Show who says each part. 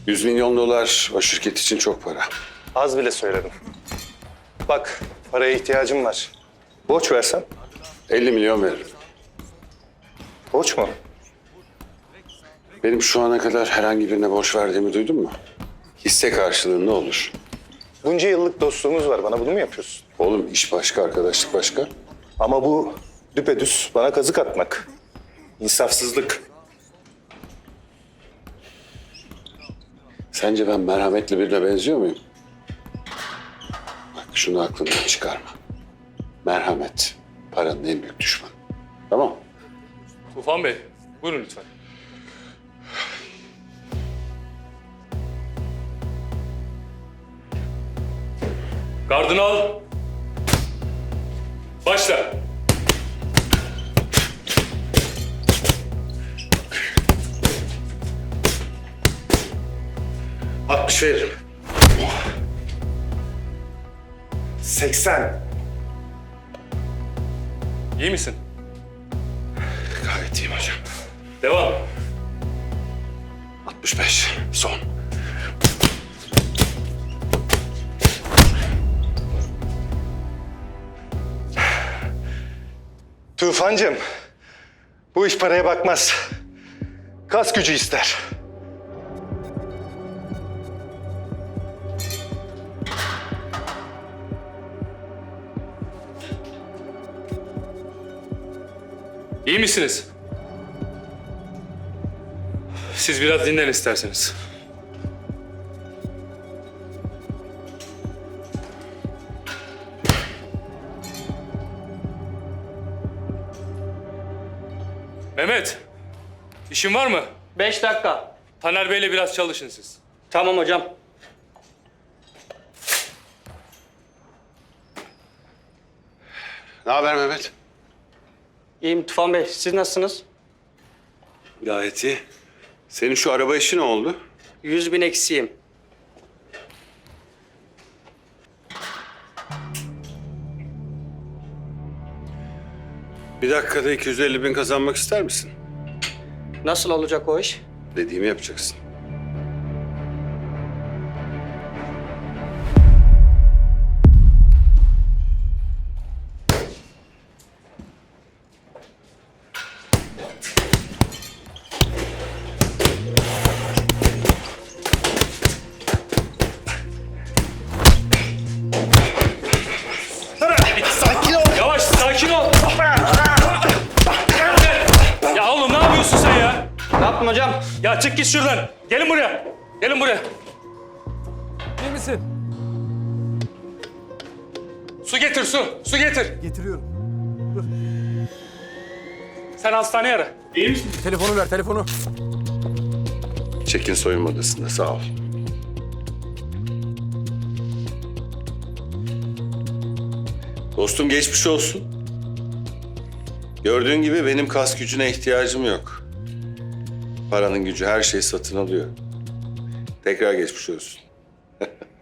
Speaker 1: 100 milyon dolar o şirket için çok para.
Speaker 2: Az bile söyledim. Bak, paraya ihtiyacım var. Borç versem?
Speaker 1: 50 milyon veririm.
Speaker 2: Borç mu?
Speaker 1: Benim şu ana kadar herhangi birine borç verdiğimi duydun mu? Hisse karşılığı ne olur?
Speaker 2: Bunca yıllık dostluğumuz var. Bana bunu mu yapıyorsun?
Speaker 1: Oğlum iş başka, arkadaşlık başka.
Speaker 2: Ama bu düpedüz bana kazık atmak. İnsafsızlık.
Speaker 1: Sence ben merhametli birine benziyor muyum? Bak şunu aklından çıkarma. Merhamet paranın en büyük düşmanı. Tamam.
Speaker 3: Tufan Bey, buyurun lütfen. Gardını al. Başla.
Speaker 2: ...60 veririm. 80.
Speaker 3: İyi misin?
Speaker 1: Gayet iyiyim hocam.
Speaker 3: Devam.
Speaker 1: 65 son.
Speaker 2: Tufancığım, bu iş paraya bakmaz. Kas gücü ister.
Speaker 3: İyi misiniz? Siz biraz dinlen isterseniz. Mehmet, işin var mı?
Speaker 4: 5 dakika.
Speaker 3: Taner Bey'le biraz çalışın siz.
Speaker 4: Tamam hocam.
Speaker 1: Ne haber Mehmet?
Speaker 4: İyiyim Tufan Bey. Siz nasılsınız?
Speaker 1: Gayet iyi. Senin şu araba işi ne oldu?
Speaker 4: 100.000 eksiğim.
Speaker 1: Bir dakikada 250 bin kazanmak ister misin?
Speaker 4: Nasıl olacak o iş?
Speaker 1: Dediğimi yapacaksın.
Speaker 3: Yavaş, sakin ol. Ya oğlum ne yapıyorsun sen ya?
Speaker 4: Ne yaptım hocam?
Speaker 3: Ya çık git şuradan. Gelin buraya. Gelin buraya.
Speaker 5: İyi misin?
Speaker 3: Su getir, su. Su getir.
Speaker 5: Getiriyorum.
Speaker 3: Sen hastaneye ara. İyi misin?
Speaker 5: Telefonu ver, telefonu.
Speaker 1: Çekin soyunma odasında sağ ol. Dostum geçmiş olsun. Gördüğün gibi benim kas gücüne ihtiyacım yok. Paranın gücü her şeyi satın alıyor. Tekrar geçmiş olsun.